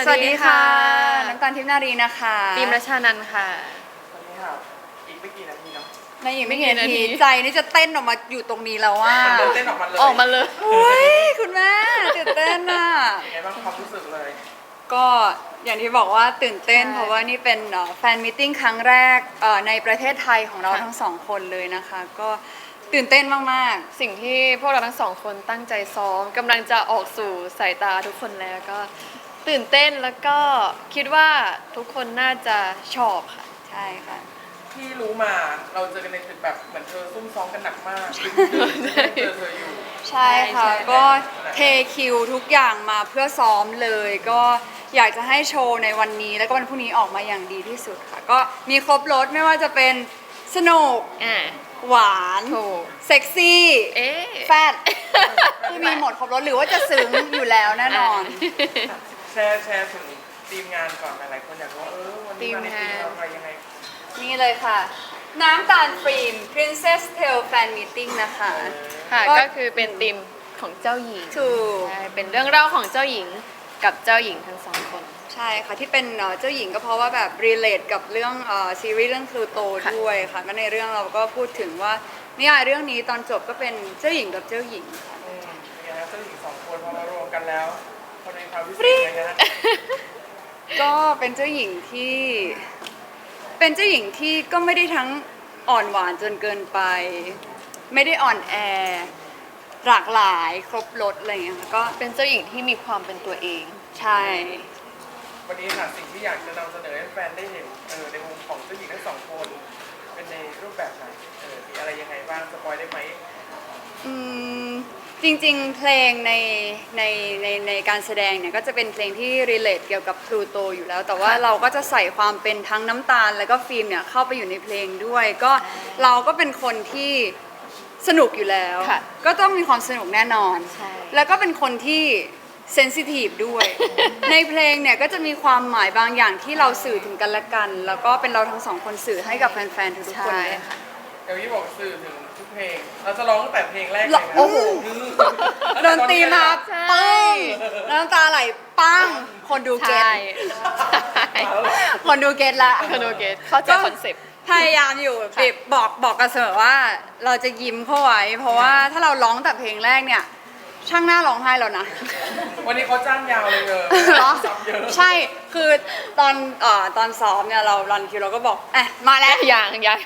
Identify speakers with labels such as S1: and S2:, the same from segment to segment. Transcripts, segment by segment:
S1: วัสดีค่ะน้ำตาลทิพย์นารีนะคะ
S2: ฟิล์มรัชานันท์ค่ะ
S3: วันนี้ค่ะอีกไม่กี่นาทีเนาะ
S1: ในอีกไม่กี่นาทีใจนี่จะเต้นออกมาอยู่ตรงนี้แล้วว่า
S3: เต้นออกมาเลย
S1: โอ้ยคุณแม่ตื่นเต้นอ่ะ
S3: ยังไงบ้างความรู้สึกเลย
S1: ก็อย่างที่บอกว่าตื่นเต้นเพราะว่านี่เป็นแฟนมิทติ้งครั้งแรกในประเทศไทยของเราทั้งสองคนเลยนะคะก็ตื่นเต้นมาก
S2: ๆสิ่งที่พวกเราทั้งสองคนตั้งใจซ้อมกำลังจะออกสู่สายตาทุกคนแล้วก็ตื่นเต้นแล้วก็คิดว่าทุกคนน่าจะชอบค่ะ
S1: ใช่ค่ะ
S3: ที่รู้มาเราเจอกันในตึกแบบเหมือนเธอซุ่มซ้อมกันหนักมากเจอเธออยู่
S1: ใช่ค่ะก็เทคิวทุกอย่างมาเพื่อซ้อมเลยก็อยากจะให้โชว์ในวันนี้แล้วก็วันพรุ่งนี้ออกมาอย่างดีที่สุดค่ะก็มีครบรถไม่ว่าจะเป็นสนุกหวานเซ็กซี่แฟดคือมีหมดครบรถหรือว่าจะซึ้งอยู่แล้วแน่นอน
S3: แชร์ถึงทีมงานก่อนหลายคนอยากรู้ว่าวันนี้มาในทีมอะไรยังไง
S1: นี่เลยค่ะน้ำตาลฟิล์ม Princess Tale Fan Meeting นะคะ
S2: ค่ะก็คือเป็นธีมของเจ้าหญิง
S1: ถูก
S2: เป็นเรื่องเล่าของเจ้าหญิงกับเจ้าหญิงทั้งสองคน
S1: ใช่ค่ะที่เป็นเจ้าหญิงก็เพราะว่าแบบ relate กับเรื่องซีรีส์เรื่องพลูโตด้วยค่ะก็ในเรื่องเราก็พูดถึงว่านิยายเรื่องนี้ตอนจบก็เป็นเจ้าหญิงกับเจ้าหญิงค่ะ
S3: เป็นไงครับเจ้าหญิงสองคนพอมารวมกันแล้วคนในความพิเศษนะฮะ
S1: ก็เป็นเจ้าหญิงที่ก็ไม่ได้ทั้งอ่อนหวานจนเกินไปไม่ได้อ่อนแอหลากหลายครบรสอะไรอย่างเงี้ยค่ะก็
S2: เป็นเจ้าหญิงที่มีความเป็นตัวเอง
S1: ใช่
S3: วันนี้ค่ะสิ่งที่อยากจะนำเสนอให้แฟนได้เห็นในมุมของเจ้าหญิงทั้งสองคนเป็นในรูปแบบไหนมีอะไรยังไงบ้างสปอยได้ไหม
S1: จริงๆเพลงในการแสดงเนี่ยก็จะเป็นเพลงที่ relate เกี่ยวกับพลูโตอยู่แล้วแต่ว่าเราก็จะใส่ความเป็นทั้งน้ำตาลแล้วก็ฟิล์มเนี่ยเข้าไปอยู่ในเพลงด้วยก็เราก็เป็นคนที่สนุกอยู่แล้วก็ต้องมีความสนุกแน่นอนแล้วก็เป็นคนที่เซนซิทีฟด้วยในเพลงเนี่ยก็จะมีความหมายบางอย่างที่เราสื่อถึงกันและกันแล้วก็เป็นเราทั้งสองคนสื่อให้กับแฟนๆทุกคนเลยค่ะ
S3: เดี๋ยวพี่บอกสื่อถึงทุกเพลงเราจะร้องตั้งแต่เพลงแรกเลยนะโอ้โห
S1: ดนตรีมาปังน้ำตาไหลปังคนดูเก็ตคนดูเก็ตละ
S2: คนดูเก็ตเข้าใจคอนเซ็ปต์
S1: พยายามอยู่บอกกันเสมอว่าเราจะยิ้มเข้าไว้เพราะว่าถ้าเราร้องแต่เพลงแรกเนี่ยช่างหน้าร้องไห้แล้วนะ
S3: วันนี้เขาจ้างยาวเลย
S1: ใช่คือตอนซ้อมเนี่ยเรารันคิวเราก็บอกมาแล้ว
S2: อย่าง
S1: เดี๋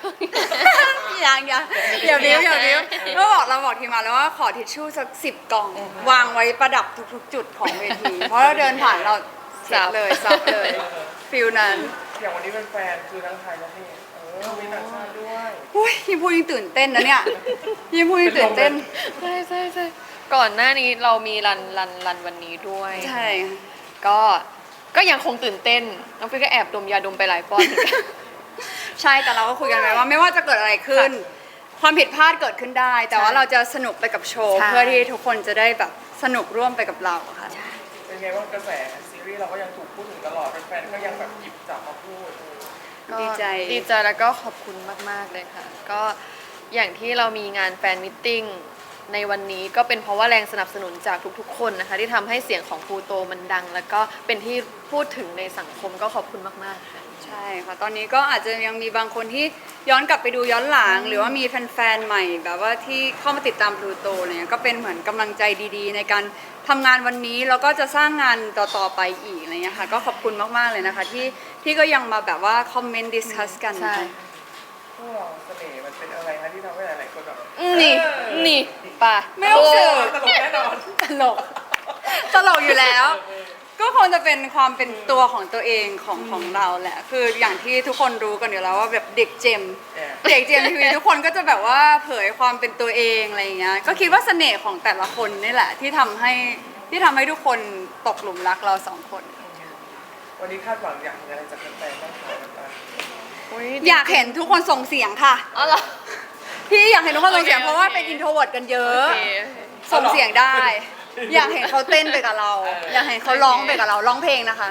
S1: ยวบิ้วก็เราบอกทีมงานแล้วว่าขอทิชชู่สัก10 กล่องวางไว้ประดับทุกๆจุดของเวทีเพราะเราเดินผ่านเราซับเลยฟิลนั้น
S3: อย่างวันนี้เป็นแฟนคือทั้งไทยและเทศมีต่างชาติด้วย
S1: ยิ่งพูดยิ่งตื่นเต้นนะเนี่ยยิ่งพูดยิ่งตื่นเต้น
S2: ใช่ก่อนหน้านี้เรามีรันวันนี้ด้วย
S1: ใช่
S2: ก็ยังคงตื่นเต้นน้องฟิก็แอบดมยาดมไปหลายป้อน
S1: ใช่แต่เราก็คุยกันไว้ว่าไม่ว่าจะเกิดอะไรขึ้นความผิดพลาดเกิดขึ้นได้แต่ว่าเราจะสนุกไปกับโชว์เพื่อที่ทุกคนจะได้แบบสนุกร่วมไปกับเราค่ะ
S3: เป็นไงว่ากระแสซีรีส์เราก็ยังถูกพูดถึงตลอดแฟนๆก็ยังแบบหยิบจับมาพูด
S1: ดีใจ
S2: แล้วก็ขอบคุณมากๆเลยค่ะก็อย่างที่เรามีงานแฟนมิทติ้งในวันนี้ก็เป็นเพราะว่าแรงสนับสนุนจากทุกๆคนนะคะที่ทำให้เสียงของพลูโตมันดังแล้วก็เป็นที่พูดถึงในสังคมก็ขอบคุณมากๆค่ะ
S1: ใช่ค่ะตอนนี้ก็อาจจะยังมีบางคนที่ย้อนกลับไปดูย้อนหลังหรือว่ามีแฟนๆใหม่แบบว่าที่เข้ามาติดตามพลูโตเนี่ยก็เป็นเหมือนกำลังใจดีๆในการทำงานวันนี้แล้วก็จะสร้างงานต่อๆไปอีกอะไรเงี้ยค่ะก็ขอบคุณมากๆเลยนะคะที่ก็ยังมาแบบว่าคอมเมนต์ดิสคัสกันนะคะ
S3: พวกเราเสน่ห์มันเป็นอะไรคะที่ทำให้หลายๆคนแบบ
S2: นี่ป่ะ
S1: ไม่ต้องเสือ
S3: ตลกแน่นอน
S1: ตลกอยู่แล้วก็คงจะเป็นความเป็นตัวของตัวเองของเราแหละคืออย่างที่ทุกคนรู้กันอยู่แล้วว่าแบบเด็กเจมทีวีทุกคนก็จะแบบว่าเผยความเป็นตัวเองอะไรเงี้ยก็คิดว่าเสน่ห์ของแต่ละคนนี่แหละที่ทำให้ทุกคนตกหลุมรักเรา2 คน
S3: วันนี้คาดหวังอยากเห็นอะไรจากแฟนๆบ้างคะ
S1: อยากเห็นทุกคนส่งเสียงค่ะ
S2: อ๋อเหรอ
S1: พี่อยากเห็นทุกคนส่งเสียงเพราะว่าเป็นอินโทรเวิร์ตกันเยอะส่งเสียงได้อยากเห็นเขาเต้นไปกับเราอยากเห็นเขาร้องไปกับเราร้องเพลงนะคะ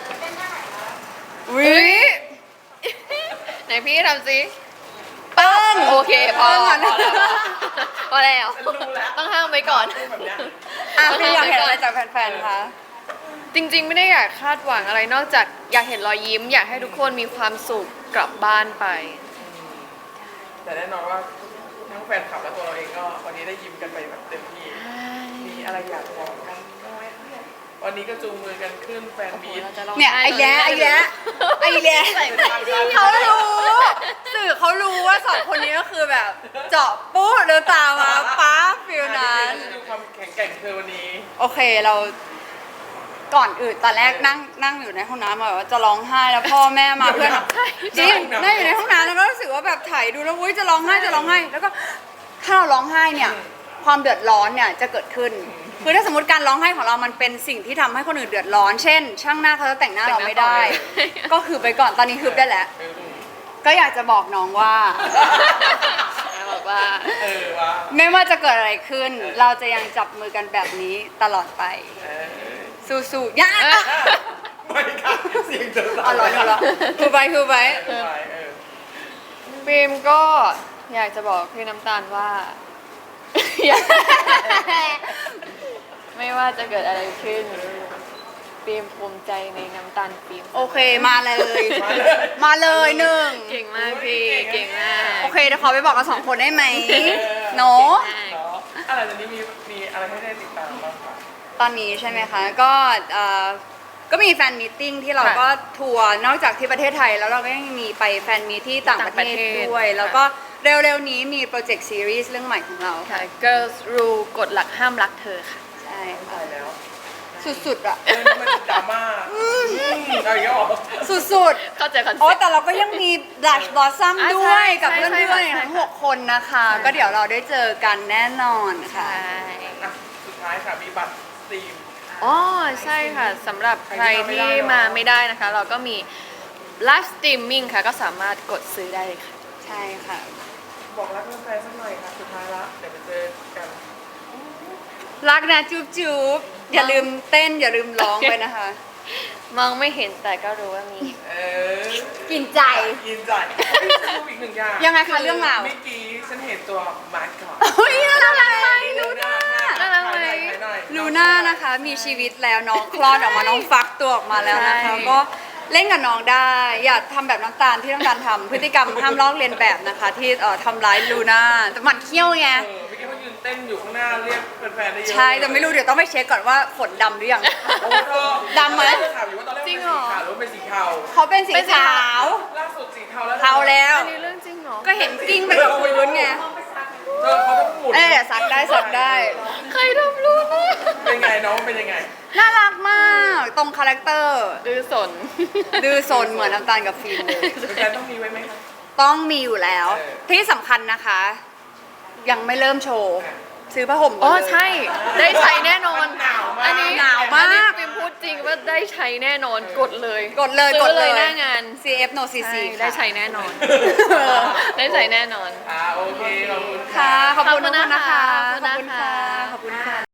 S2: ไหนพี่ทำสิ
S1: ปัง
S2: โอเคพอแล้วต้องห้ามไว้ก่อน
S1: พี่อยากเห็นอะไรจากแฟนๆคะ
S2: จริงๆไม่ได้อยากคาดหวังอะไรนอกจากอยากเห็นรอยยิ้ม อยากให้ทุกคนมีความสุขกลับบ้านไป
S3: แต่แน่นอนว่าทั้งแฟนคลับและตัวเราเองก็วันนี้ได้ยิ้มกันไปแบบเต็มที่ มีอะไรอยากบอกกันบ้างไหมคะวันนี้ก็จูงมือกันขึ้นแฟนมีต
S1: เนี่ยไอ้แย้เขารู้สื่อเขารู้ว่าสองคนนี้ก็คือแบบ เจาะปุ๊บเดินตามมาป๊าฟิลนั้น
S3: ดูความแข็งแกร่งเธอวันนี้
S1: โอเคเราก่อนอื่นตอนแรกนั่งอยู่ในห้องน้ำแบบว่าจะร้องไห้แล้วพ่อแม่มาเพื่อนจริงนั่งอยู่ในห้องน้ำแล้วก็รู้สึกว่าแบบถ่ายดูแล้วอุ้ยจะร้องไห้แล้วก็ถ้าเราร้องไห้เนี่ยความเดือดร้อนเนี่ยจะเกิดขึ้นคือถ้าสมมติการร้องไห้ของเรามันเป็นสิ่งที่ทำให้คนอื่นเดือดร้อน เช่น ช่างหน้าเขาจะแต่งหน้าเราไม่ได้ ก็คือไปก่อนตอนนี้คือได้แล้ว ก็อยากจะบอกน้องว่า
S2: บอกว่า
S3: ว่า
S1: ไม่ว่าจะเกิดอะไรขึ้น เราจะยังจับมือกันแบบนี้ตลอดไป สู้ๆย่า
S3: ไม่ค่ะเสียงเธอสั่น
S1: อ๋อเหรอคือไป
S2: ฟิล์มก็อยากจะบอกพี่น้ำตาลว่า ไม่ว่าจะเกิดอะไรขึ้นฟิล์มภูมิใจในน้ำตาลฟิล์ม
S1: โอเคมาเลย มาเลยหนึ่ง
S2: เก่งมากพี่เก่งมาก
S1: โอเคเดี๋ยวขอไปบอกกับสองคนได้ไหมโน
S3: เนาะอะไรตอนนี้มีอะไรให้ได้ติดตามบ้างคะ
S1: ตอนนี้ใช่ไหมคะก็มีแฟนมีตติ้งที่เราก็ทัวร์นอกจากที่ประเทศไทยแล้วเราก็ยังมีไปแฟนมีตที่ต่างประเทศด้วย แล้วก็เร็วๆนี้มีโปรเจกต์ซีรีส์เรื่องใหม่ของเรา
S2: ค่ะ Girls Rule กฎหลักห้ามรักเธอค่ะ
S1: ใช่ค่ะ
S3: ตายแล้ว
S1: สุดๆอะ
S3: เรื่องนี้มันดราม่าเอาอีกแล้วเหรอ
S1: สุด
S2: เข้าใจคอน
S1: ๆ
S2: เซ็
S1: โอ้
S2: ปต์
S1: แต่เราก็ยังมีดัชบอสซัม
S2: อ่ะ
S1: ด้วย
S2: ใช่
S1: กับ
S2: ใช่
S1: เพื่อน
S2: ใช่
S1: ๆ
S2: ใช่
S1: ทั้ง6 คนนะคะ ก็เดี๋ยวเราได้เจอกันแน่นอนค่ะ
S2: ใช่
S3: อ่ะสุดท้ายค่ะมีบัตรสตรีม
S2: อ๋อใช่ค่ะสำหรับใครที่มาไม่ได้นะคะ เราก็มีไลฟ์สตรีมมิ่งค่ะ ก็สามารถกดซื้อได้เลยค่ะ
S1: ใช่ค่ะ
S3: บอกรักแฟนๆสักหน่อยค่ะสุดท้ายละเดี๋ยวไปเจอกัน
S1: รักนะจุ๊บๆอย่าลืมเต้นอย่าลืมร้องไปนะคะ
S2: มองไม่เห็นแต่ก็รู้ว่ามี
S3: เออ
S1: กินใจ
S3: ยินใจรูปอีกหนึ่งอย่าง
S1: ยังไงคะเรื่องราว
S3: เมื่อกี้ฉันเห็นตัวมาร์คก่อน
S1: เฮ้ยน่ารักไหมลูน่า
S2: น่ารักไหม
S1: ลูน่านะคะ มีชีวิตแล้วน้องคลอดออกมาน้องฟักตัวออกมาแล้วนะคะ
S2: ใช่
S1: ก็เล่นกับน้องได้ อย่าทำแบบน้ำตาลที่น้ำตาลทำพฤติกรรมห้ามลอกเลียนแบบนะคะ ที่ทำร้ายลูน่าแต่หมันเขี้ยวไง
S3: เมื่อกี้เขายืนเต้นอยู่ข้างหน้าเรียกแฟนๆได้เยอะ
S1: ใช่แต่ไม่รู้เดี๋ยวต้องไปเช็คก่อนว่าขนดำหรือยัง
S3: โอ้เธอ
S1: ดำไหม
S3: ถามอยู่ว่าตอนแรกเป็นสีขาวหรือว่าเป็นสีเทา
S1: เขาเป็นสีขาว
S3: ล่าสุดสีเทาแล้ว
S1: เทาแล้ว
S2: อันนี้เรื่องจริงเหรอ
S1: ก็เห็นกิ้งไปกับพื้นไง
S3: เธอเขาต้องหมุน
S1: สักได้
S2: ใครทำรู้นะ
S3: เป็นไงน้องเป็นยังไง
S1: น่ารักมากตรงคาแรคเตอร์
S2: ดื้อสน
S1: ดื้อซนเหมือนน้ำตาลกับฟิล์มเลย
S3: แฟนๆต้องมีไว้ไหมคะ
S1: ต้องมีอยู่แล้ว
S3: เออ
S1: ที่สำคัญนะคะ ยังไม่เริ่มโชว์ ซื้อผ้าห่มก่
S2: อ๋
S1: น
S2: อ
S1: เลย
S2: ใช่ ได้ใช้แน่นอน
S3: หนาวมาก
S2: อันนี้
S1: หนาวมาก
S2: อันนี้ฟิล์มพูดจริงว่าได้ใช้แน่นอนกดเลย
S1: กดเลย
S2: ซื้
S1: ก
S2: อ
S1: ดเลย
S2: หน้างาน
S1: CF no CC
S2: ใช่ได้
S1: ค่ะ
S2: ใช้แน่นอน ได้ใช้แน่นอน
S3: โอเคขอบคุณ
S1: ค่ะ ขอบคุณ
S2: ขอบคุณ
S1: ทุกคนนะคะ
S2: นะคะ
S1: ขอบคุณค่ะ